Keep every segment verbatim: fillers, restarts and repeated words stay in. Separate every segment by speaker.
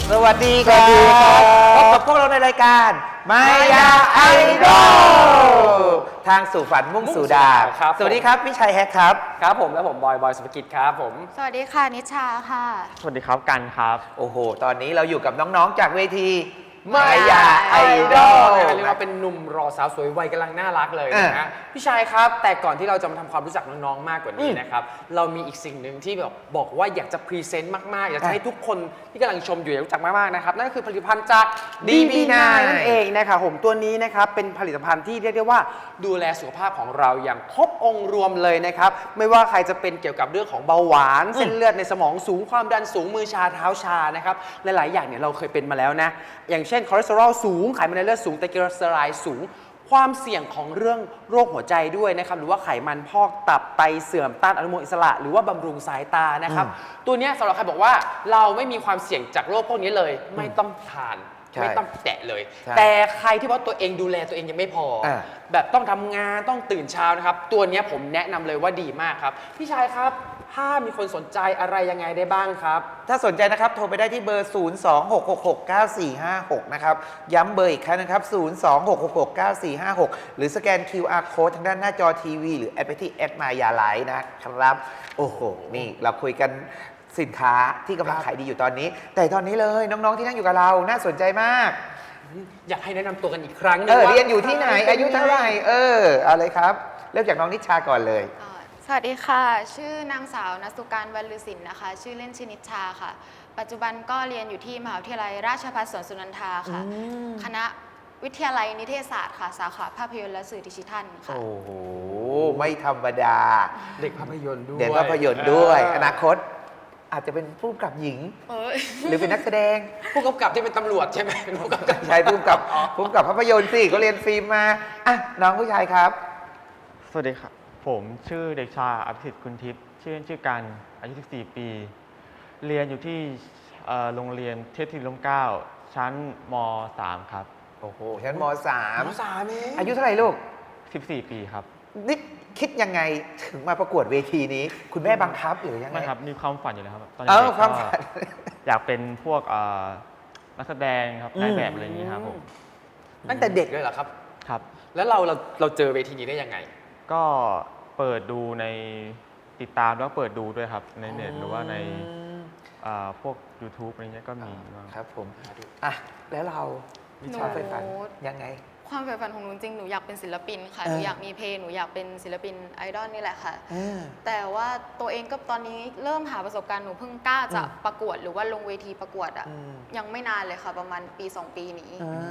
Speaker 1: สวัสดีครับพบกับพวกเราในรายการมายาไอดอลทางสู่ฝันมุ่งสู่ดาวสวัสดีครับพี่ชัยแฮกครับ
Speaker 2: ครับผมและผมบอยบอยสุภกิจครับผม
Speaker 3: สวัสดีค่ะนิชาค่ะ
Speaker 4: สวัสดีครับกันครับ
Speaker 1: โอ้โหตอนนี้เราอยู่กับน้องๆจากเวทีมายาไอดอล
Speaker 2: เรียกว่าเป็นหนุ่มรอสาวสวยวัยกำลังน่ารักเลยนะฮะพี่ชายครับแต่ก่อนที่เราจะมาทำความรู้จักน้องๆมากกว่านี้นะครับเรามีอีกสิ่งหนึ่งที่แบบบอกว่าอยากจะพรีเซนต์มากๆอยากจะให้ทุกคนที่กำลังชมอยู่รู้จักมากๆนะครับนั่นก็คือผลิตภัณฑ์จาก ดี บี ไนน์ นั่นเองนะครับผมตัวนี้นะครับเป็นผลิตภัณฑ์ที่เรียกได้ว่าดูแลสุขภาพของเราอย่างครบองค์รวมเลยนะครับไม่ว่าใครจะเป็นเกี่ยวกับเรื่องของเบาหวานเส้นเลือดในสมองสูงความดันสูงมือชาเท้าชานะครับหลายๆอย่างเนี่ยเราเคยเป็นมาแล้วนะอย่างเช่นคอเลสเตอรอลสูงไขมันในเลือดสูงไตรกลีเซอไรด์สูงความเสี่ยงของเรื่องโรคหัวใจด้วยนะครับหรือว่าไขมันพอกตับไตเสื่อมต้านอนุมูลอิสระหรือว่าบำรุงสายตานะครับตัวนี้สำหรับใครบอกว่าเราไม่มีความเสี่ยงจากโรคพวกนี้เลยไม่ต้องทานไม่ต้องแตะเลยแต่ใครที่ว่าตัวเองดูแลตัวเองยังไม่พอแบบต้องทำงานต้องตื่นเช้านะครับตัวนี้ผมแนะนำเลยว่าดีมากครับพี่ชายครับถ้ามีคนสนใจอะไรยังไงได้บ้างครับ
Speaker 1: ถ้าสนใจนะครับโทรไปได้ที่เบอร์ ศูนย์ สอง หก หก หก เก้า สี่ ห้า หก นะครับย้ำเบอร์อีกครั้งนะครับ ศูนย์ สอง หก หก หก เก้า สี่ ห้า หก หรือสแกน คิว อาร์ Code ทางด้านหน้าจอทีวีหรือแอปพลิเคชันแอดมายาไลฟ์นะครับโอ้โหนี่เราคุยกันสินค้าที่กำลังขายดีอยู่ตอนนี้แต่ตอนนี้เลยน้องๆที่นั่งอยู่กับเราน่าสนใจมาก
Speaker 2: อยากให้แนะนำตัวกันอีกครั้งนึง
Speaker 1: เออเรียนอยู่ที่ไหนอายุเท่าไหร่เออเอาเลยครับเริ่มจากน้องนิชาก่อนเลย
Speaker 3: สวัสดีค่ะชื่อนางสาวณสุการวรรลือศิลป์นะคะชื่อเล่นชื่อนิชาค่ะปัจจุบันก็เรียนอยู่ที่มหาวิทยาลัยราชภัฏสวนสุนันทาค่ะคณะวิทยาลัยนิเทศศาสตร์ค่ะสาขาภาพยนตร์และสื่อดิจิทัลค่ะ
Speaker 1: โอ้โหไม่ธรรมดา
Speaker 2: เด็กภาพยนตร์ด้วย
Speaker 1: เด็กภาพยนตร์ด้วยอนาคตอาจจะเป็นผู้กำกับหญิงหรือเป็นนักแสดง
Speaker 2: ผู้กำกับที่เป็นตำรวจใช่ไหมเป็นผู้กำกับ
Speaker 1: ใช่ผู้กำกับผู้กำกับภาพยนตร์สิก็เรียนฟิล์มมาอ่ะน้องผู้ชายครับ
Speaker 4: สวัสดีครับผมชื่อเด็กชายอภิสิทธิ์คุณทิพย์ชื่อเล่นชื่อกันอายุสิบสี่ปีเรียนอยู่ที่โรงเรียนเทพธิดลเกล้าชั้นม สามครับ
Speaker 1: โอ้โหชั้นม สาม
Speaker 2: ม สามเอง
Speaker 1: อายุเท่าไหร่ลูก
Speaker 4: สิบสี่ปีครับ
Speaker 1: นี่คิดยังไงถึงมาประกวดเวทีนี้คุณแม่บังคับหรือยังไง
Speaker 4: ไม่ครับมีความฝันอยู่แล้วครับตอน
Speaker 1: นี้ความฝัน
Speaker 4: อยากเป็นพวกนักแสดงครับนายแบบอะไรอย่างนี้ครับผม
Speaker 2: ตั้งแต่เด็กเลยเหรอครับ
Speaker 4: ครับ
Speaker 2: แล้วเราเราเราเจอเวทีนี้ได้ยังไง
Speaker 4: ก็เปิดดูในติดตามแล้วเปิดดูด้วยครับในเน็ตหรือว่าในพวก ยูทูบ อะไรเงี้ยก็มี
Speaker 1: ครับผมอ่ะแล้วเราวิชาไฟฝันยังไง
Speaker 3: ความใฝ่ฝันของหนูจริงหนูอยากเป็นศิลปินค่ะหนูอยากมีเพลงหนูอยากเป็นศิลปินไอดอลนี่แหละค่ะแต่ว่าตัวเองก็ตอนนี้เริ่มหาประสบการณ์หนูเพิ่งกล้าจะประกวดหรือว่าลงเวทีประกวดอ่ะยังไม่นานเลยค่ะประมาณปีสองปีนี้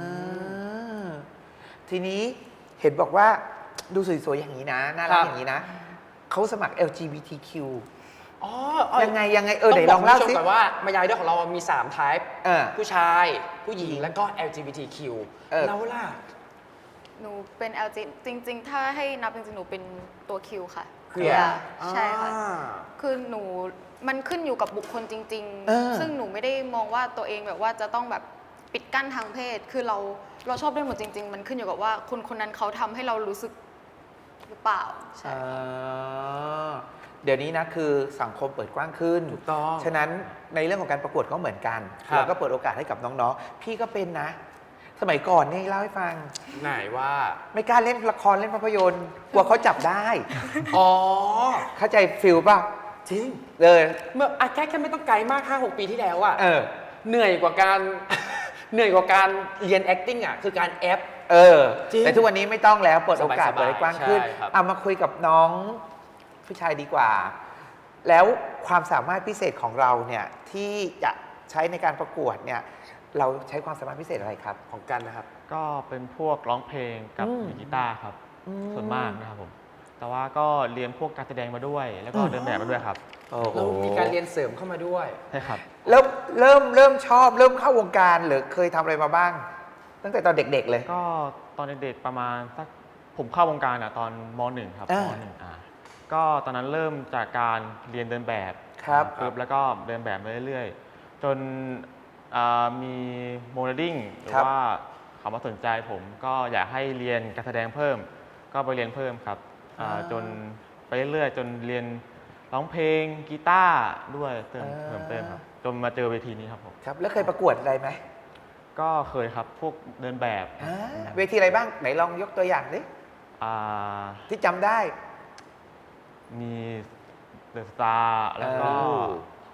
Speaker 1: ทีนี้เห็นบอกว่าดูสวยๆอย่างนี้นะน่ารักอย่างนี้นะเขาสมัคร แอล จี บี ที คิว
Speaker 2: อ๋อ
Speaker 1: ยังไงยังไงเออไหนลองเล่าสิ
Speaker 2: ก่อนว่ามายาไอดอลของเรามีสาม type ผู้ชายผู้หญิงแล้วก็ แอล จี บี ที คิว แล้วล่ะ
Speaker 3: หนูเป็น แอล จี จริงๆถ้าให้นับจริงๆหนูเป็นตัว Q ค่ะ
Speaker 1: คือ
Speaker 3: ใช่ค่ะคือหนูมันขึ้นอยู่กับบุคคลจริงๆซึ่งหนูไม่ได้มองว่าตัวเองแบบว่าจะต้องแบบปิดกั้นทางเพศคือเราเราชอบได้หมดจริงๆมันขึ้นอยู่กับว่าคนคนนั้นเขาทำให้เรารู้สึกหรือเปล่าใช่
Speaker 1: เดี๋ยวนี้นะคือสังคมเปิดกว้างขึ้น
Speaker 2: ถูกต้อง
Speaker 1: ฉะนั้นในเรื่องของการประกวดก็เหมือนกันเราก็เปิดโอกาสให้กับน้องๆพี่ก็เป็นนะสมัยก่อนนี่เล่าให้ฟัง
Speaker 2: ไหนว่า
Speaker 1: ไม่กล้าเล่นละครเล่นภาพยนตร์กลัวเขาจับได้
Speaker 2: อ๋อ
Speaker 1: เข้าใจฟิลป่ะ
Speaker 2: จริง
Speaker 1: เลย
Speaker 2: เมื่อแค่แค่ไม่ต้องไกลมาก ห้าหก ปีที่แล้วอะ
Speaker 1: เออ
Speaker 2: เหนื่อยกว่าการเหนื่อยกว่าการเรียน acting อ่ะคือการแอป
Speaker 1: เออแต่ทุกวันนี้ไม่ต้องแล้วเปิดโอกาสเปิดกว้างขึ้นเอามาคุยกับน้องผู้ชายดีกว่าแล้วความสามารถพิเศษของเราเนี่ยที่จะใช้ในการประกวดเนี่ยเราใช้ความสามารถพิเศษอะไรครับ
Speaker 2: ของกันนะครับ
Speaker 4: ก็เป็นพวกร้องเพลงกับกีตาร์ครับส่วนมากนะครับผมแต่ว่าก็เรียนพวกการแสดงมาด้วยแล้วก็เดินแบบมาด้วยครับ
Speaker 2: แล้วมีการเรียนเสริมเข้ามาด้วย
Speaker 4: ใช่ครับ
Speaker 1: แล้วเริ่มเริ่มชอบเริ่มเข้าวงการหรือเคยทำอะไรมาบ้างตั้งแต่ตอนเด็กๆเลย
Speaker 4: ก็ตอนเด็กๆประมาณสักผมเข้าวงการอ่ะตอนม หนึ่ง ครับม หนึ่ง อ่าก็ตอนนั้นเริ่มจากการเรียนเดินแบบ
Speaker 1: ครับ
Speaker 4: แล้วก็เดินแบบมาเรื่อยๆจนมีโมเดลลิ่งหรือว่าเขามาสนใจผมก็อยากให้เรียนการแสดงเพิ่มก็ไปเรียนเพิ่มครับจนไปเรื่อยๆจนเรียนร้องเพลงกีตาร์ด้วยเติม
Speaker 1: อ่า
Speaker 4: เพิ่มเติมครับจนมาเจอเวทีนี้ครับผม
Speaker 1: ครับแล้วเคยประกวดอะไรไหม
Speaker 4: ก็เคยครับพวกเดินแบบ
Speaker 1: อ่าเวทีอะไรบ้างไหนลองยกตัวอย่างดิ
Speaker 4: อ่า
Speaker 1: ที่จำได้
Speaker 4: มีเดอะสตาร์แล้วก็
Speaker 1: เออ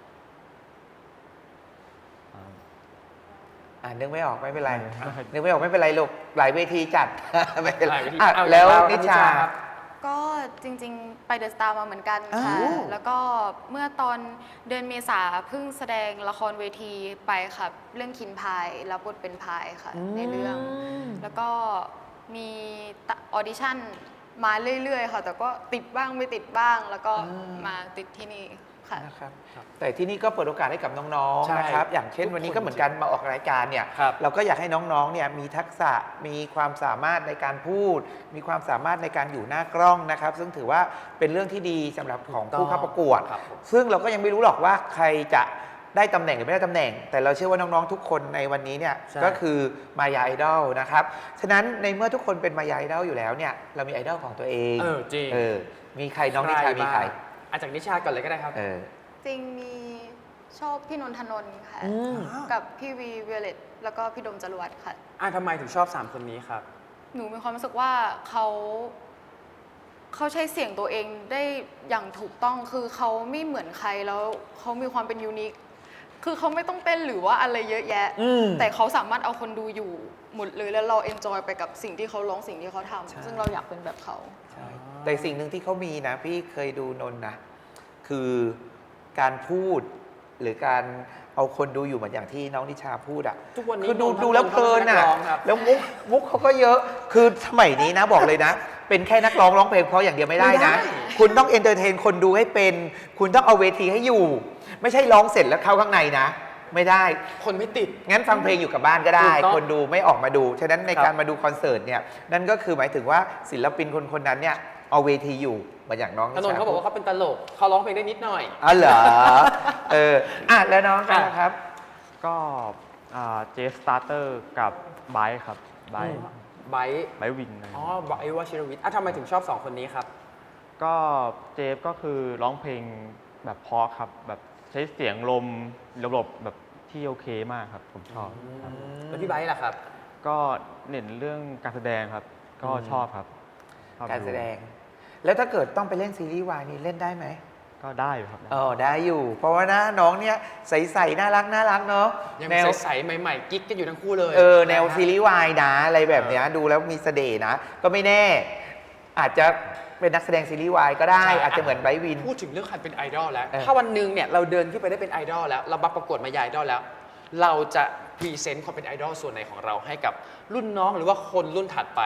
Speaker 4: อ่า
Speaker 1: อ่านึกไม่ออกไม่เป็นไร
Speaker 4: ไม่เป็นไร
Speaker 1: นึกไม่ออกไม่เป็นไรลูกหลายเวทีจัด ไม่เป็นไร
Speaker 2: หลายเวที
Speaker 1: อ่ะ
Speaker 2: เอา
Speaker 1: แล้ว
Speaker 2: อย่างเรา
Speaker 1: นิชา
Speaker 2: นิชาครับ
Speaker 3: ก็จริงๆ ไปเดอะสตาร์มาเหมือนกันค่ะ
Speaker 1: อ้าว
Speaker 3: แล้วก็เมื่อตอนเดือนเมษาเพิ่งแสดงละครเวทีไปค่ะ เรื่องคินพายรับบทเป็นพายค่ะ ในเรื่อง แล้วก็มีออดิชั่นมาเรื่อยๆ ค่ะ แต่ก็ติดบ้างไม่ติดบ้าง แล้วก็มาติดที่นี่ค่ะ
Speaker 1: นะครับแต่ที่นี่ก็เปิดโอกาสให้กับน้อง
Speaker 2: ใช่
Speaker 1: ๆนะครับอย่างเช่น
Speaker 2: ทุกคน
Speaker 1: วันนี้ก็เหมือนกันมาออกรายการเนี่ย
Speaker 2: ครับ
Speaker 1: เราก็อยากให้น้องๆเนี่ยมีทักษะมีความสามารถในการพูด มีความสามารถในการอยู่หน้ากล้องนะครับ ซึ่งถือว่าเป็นเรื่องที่ดีสำหรับของผู้เข้าประกวด
Speaker 2: ครับผม
Speaker 1: ซึ่งเราก็ยังไม่รู้หรอกว่าใครจะได้ตำแหน่งหรือไม่ได้ตำแหน่ง แต่เราเชื่อว่าน้องๆทุกคนในวันนี้เนี่ย
Speaker 2: ใช่
Speaker 1: ก็คือมายาไอดอลนะครับฉะนั้นในเมื่อทุกคนเป็นมายาไอดอลอยู่แล้วเนี่ยเรามีไอดอลของตัวเอง
Speaker 2: เออจริง
Speaker 1: เออมีใครน้องนิชามีใคร
Speaker 2: อาจากนิชาก่อนเลยก็ได้ครับ
Speaker 1: เออ
Speaker 3: จริงมีชอบพี่นนทนนท์ค่ะ
Speaker 1: อืม
Speaker 3: กับพี่วีเวเลตแล้วก็พี่ดมจรวดค่ะ
Speaker 2: อ่ะทำไมถึงชอบสามคนนี้ครับ
Speaker 3: หนูมีความรู้สึกว่าเขาเขาใช้เสียงตัวเองได้อย่างถูกต้องคือเขาไม่เหมือนใครแล้วเขามีความเป็นยูนิคคือเขาไม่ต้องเต้นหรือว่าอะไรเยอะแยะ
Speaker 1: อืม
Speaker 3: แต่เขาสามารถเอาคนดูอยู่หมดเลยแล้วเราเอนจอยไปกับสิ่งที่เขาร้องสิ่งที่เขา
Speaker 1: ใช่
Speaker 3: ทำซึ่งเราอยากเป็นแบบเขา
Speaker 1: ใช่แต่สิ่งหนึ่งที่เขามีนะ พี่เคยดูนนท์นะ คือการพูด หรือการเอาคนดูอยู่เหมือนอย่างที่น้องนิชาพูดอ่ะ
Speaker 2: ทุกวันนี้
Speaker 1: คือดู
Speaker 2: นนท์
Speaker 1: ดูแล้วเพลินอ่ะ
Speaker 2: เขาเป็นนักร้องครับ
Speaker 1: แล้วมุกมุกเขาก็เยอะคือสมัยนี้นะบอกเลยนะ เป็นแค่นักร้องร้องเพลงเพราะอย่างเดียวไม่ได้นะ คุณต้องเอนเตอร์เทนคนดูให้เป็น คุณต้องเอาเวทีให้อยู่ ไม่ใช่ร้องเสร็จแล้วเข้าข้างในนะ ไม่ได้
Speaker 2: คนไม่ติด
Speaker 1: งั้นฟังเพลงอยู่กับบ้านก็ได้
Speaker 2: ถูกต้อง
Speaker 1: คนดูไม่ออกมาดู ฉะนั้นใน
Speaker 2: ครับ
Speaker 1: การมาดูคอนเสิร์ตเนี่ย นั่นก็คือหมายถึงว่าศิลปินคนคนนั้นเนี่ย เอาเวทีอยู่เหมือนอย่างน้อง
Speaker 2: ถนนเขาบอกว่าเขาเป็นตลกเขาร้องเพลงได้นิดหน่อย
Speaker 1: อ๋อเหรอ เออ อ่ะ แล้วน้องกันนะครับ
Speaker 4: ก็เจสตาร์เตอร์กับไบค์ครับไบค์
Speaker 2: ไบร์ท
Speaker 4: ไบค์วินอะไร
Speaker 2: อ๋อไบร์ทวชิรวิทย์อ่ะทำไมถึงชอบสองคนนี้ครับ
Speaker 4: ก็เจฟก็คือร้องเพลงแบบเพราะครับ แบบใช้เสียงลมระบบแบบที่โอเคมากครับ ผมชอบครับ
Speaker 2: แล้วพี่ไบร์ทล่ะครับ
Speaker 4: ก็เน้นเรื่องการแสดงครับ ก็
Speaker 1: อืม
Speaker 4: ชอบครับชอบ
Speaker 1: การแสดง แล้วถ้าเกิดต้องไปเล่นซีรีส์วายนี่เล่นได้ไหม
Speaker 4: ก็ได้อยู่ครับ
Speaker 1: อ๋อ ได้อยู่ เพราะว่านะน้องเนี่ยใสๆน่ารักน่ารักเนาะ
Speaker 2: ยัง
Speaker 1: แนว
Speaker 2: ใสๆใหม่ๆ กิ๊กกันอยู่ทั้งคู่เลย
Speaker 1: เออ แนว
Speaker 2: ะฮะ
Speaker 1: ซีรีส์วายนะ อะไรแบบเนี้ยดูแล้วมีเสน่ห์นะ ก็ไม่แน่ อาจจะเป็นนักแสดงซีรีส์วายก็ได้
Speaker 2: ใช่
Speaker 1: อาจจะเหมือนไบรท์วิน
Speaker 2: พูดถึงเรื่องการเป็นไอดอลแล้ว
Speaker 1: เออ
Speaker 2: ถ้าวันหนึ่งเนี่ยเราเดินขึ้นไปได้เป็นไอดอลแล้ว เราบัประกวดมายาไอดอลแล้ว เราจะพรีเซนต์ความเป็นไอดอลส่วนไหนของเราให้กับรุ่นน้องหรือว่าคนรุ่นถัดไป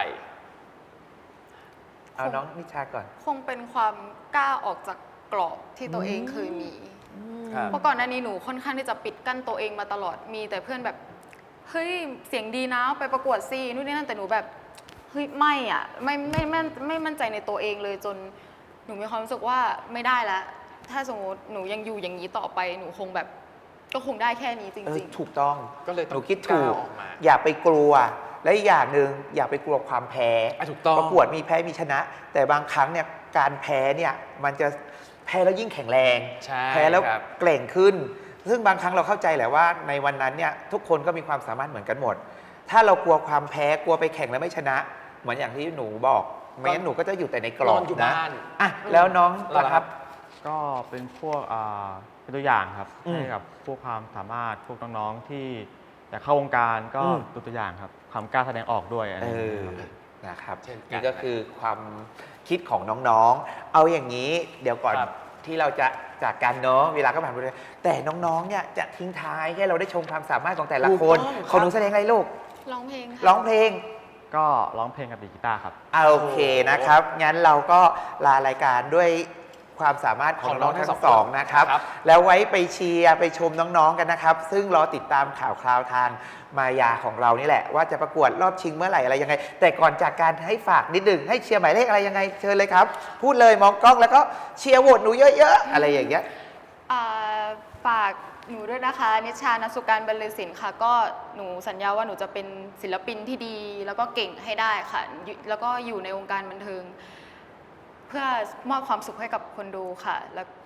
Speaker 1: เอาน้องนิชาก่อน
Speaker 3: คงเป็นความกล้าออกจากกรอบที่ตัวเองเคยมี
Speaker 2: ครับ
Speaker 3: เพราะก่อนหน้านี้หนูค่อนข้างที่จะปิดกั้นตัวเองมาตลอด มีแต่เพื่อนแบบ เฮ้ย เสียงดีนะ ไปประกวดซีนู่นนี่นั่น แต่หนูแบบ เฮ้ย ไม่อ่ะ ไม่ไม่ไม่ไม่มั่นใจในตัวเองเลยจน หนูมีความรู้สึกว่าไม่ได้ละ ถ้าสมมติหนูยังอยู่อย่างนี้ต่อไป หนูคงแบบ ก็คงได้แค่นี้จ
Speaker 1: เออ
Speaker 3: ริง
Speaker 1: ถูกต้อง
Speaker 2: ก็เลย
Speaker 1: ห
Speaker 2: ต้
Speaker 1: นู
Speaker 2: อง
Speaker 1: คิดถูก
Speaker 2: ก้าวออกมา
Speaker 1: อย่าไปกลัว และอีกอย่างหนึ่งอย่าไปกลัวความแพ้
Speaker 2: อ่ะถูกต้อง
Speaker 1: ประกวดมีแพ้มีชนะ แต่บางครั้งเนี่ยการแพ้เนี่ยมันจะแพ้แล้วยิ่งแข็งแรง
Speaker 2: ใช่
Speaker 1: แพ้แล้ว
Speaker 2: ครับ
Speaker 1: เกร่งขึ้น ซึ่งบางครั้งเราเข้าใจแหละว่าในวันนั้นเนี่ยทุกคนก็มีความสามารถเหมือนกันหมด ถ้าเรากลัวความแพ้กลัวไปแข่งแล้วไม่ชนะ เหมือนอย่างที่หนูบอกไม่งั้นหนูก็จะอยู่แต่ในกรอบ
Speaker 2: นอนอยู่
Speaker 1: นะ
Speaker 2: บ้าน
Speaker 1: อ่ะแล้วน้อง
Speaker 2: เรา
Speaker 1: ล่ะ
Speaker 2: ล่ะ
Speaker 1: ค
Speaker 2: ครั
Speaker 1: รับ
Speaker 2: บ
Speaker 4: ก็เป็นพวกอ่าเป็นตัวอย่างครับ
Speaker 1: อืม
Speaker 4: ให้กับพวกความสามารถพวกน้องๆที่อยากเข้าวงการก็
Speaker 1: อืม
Speaker 4: ดูตัวอย่างครับความกล้าแสดงออกด้วยอะไร
Speaker 1: เอ
Speaker 4: อย่างเงี้
Speaker 1: อย
Speaker 4: ครับ
Speaker 1: นะครับ
Speaker 2: เช่นกัน
Speaker 1: นี่ก็คือความคิดของน้องๆ เอาอย่างนี้เดี๋ยวก่อน
Speaker 2: ครับ
Speaker 1: ที่เราจะจากกันเนาะเวลาก็ผ่านไปเลยแต่น้องๆเนี่ยจะทิ้งท้ายให้เราได้ชมความสามารถของแต่ละคน
Speaker 2: ถูกต้องครับ
Speaker 1: ของหนูแสดงอะไรลูก
Speaker 3: ๆ ร้องเพลงค่ะ
Speaker 1: ร้องเพลง
Speaker 4: ก็ร้องเพลงกับดีดกีตาร์ครับ
Speaker 1: อ่ะโอเคนะครับ งั้นเราก็ลารายการด้วยความสามารถของ
Speaker 2: ของน้
Speaker 1: น้
Speaker 2: อ
Speaker 1: อง ง
Speaker 2: ทั้
Speaker 1: ทั้
Speaker 2: ง
Speaker 1: ง
Speaker 2: ส
Speaker 1: ส
Speaker 2: อ
Speaker 1: อง งนะครับ
Speaker 2: ครับ
Speaker 1: แล้วไว้ไปเชียร์ไปชมน้องๆกันนะครับ ซึ่งรอติดตามข่าวคราวทางมายาของเรานี่แหละ ว่าจะประกวดรอบชิงเมื่อไหร่อะไรยังไง แต่ก่อนจากการให้ฝากนิดหนึ่งให้เชียร์หมายเลขอะไรยังไงเชิญเลยครับ พูดเลยมองกล้องแล้วก็เชียร์โหวตหนูเยอะๆ อะไรอย่างเงี้ย
Speaker 3: อ่าฝากหนูด้วยนะคะ นิชานสุการบรรลือศิลป์ค่ะ ก็หนูสัญญาว่าหนูจะเป็นศิลปินที่ดี แล้วก็เก่งให้ได้ค่ะอยู่แล้วก็อยู่ในวงการบันเทิง เพื่อมอบความสุขให้กับคนดูค่ะ แล้ว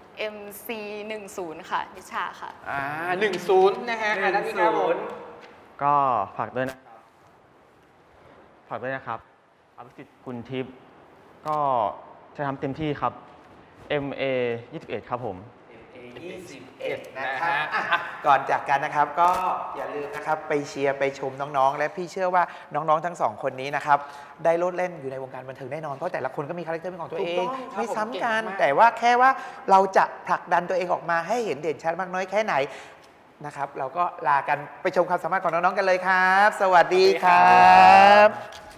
Speaker 3: เอ็ม ซี หนึ่งศูนย์ ค่ะนิชาค่ะ
Speaker 2: อ่าหนึ่งศูนย์นะฮะอ่าด้านนี้ครับผม
Speaker 4: ก็ฝากด้วยนะครับ ฝากด้วยนะครับอภิสิทธิ์กุลทิพย์ก็จะทำเต็มที่ครับ เอ็ม เอ ยี่สิบเอ็ด ครับผม
Speaker 1: ยี่สิบเอ็ด นะครับอ่ะก่อนจากกันนะครับก็อย่าลืมนะครับไปเชียร์ไปชมน้องๆ และพี่เชื่อว่าน้องๆทั้งสองคนนี้นะครับได้โลดเล่นอยู่ในวงการบันเทิงแน่นอนเพราะแต่ละคนก็มีคาแรคเตอร์เป็นของตัวเอง
Speaker 2: ถูกต้องครับ
Speaker 1: ไม่ซ้ำกัน
Speaker 2: ผมเก่งมาก
Speaker 1: แต่ว่าแค่ว่าเราจะผลักดันตัวเองออกมาให้เห็นเด่นชัดมากน้อยแค่ไหนนะครับเราก็ลากันไปชมความสามารถของน้องๆกันเลยครับ สวัสดีครับ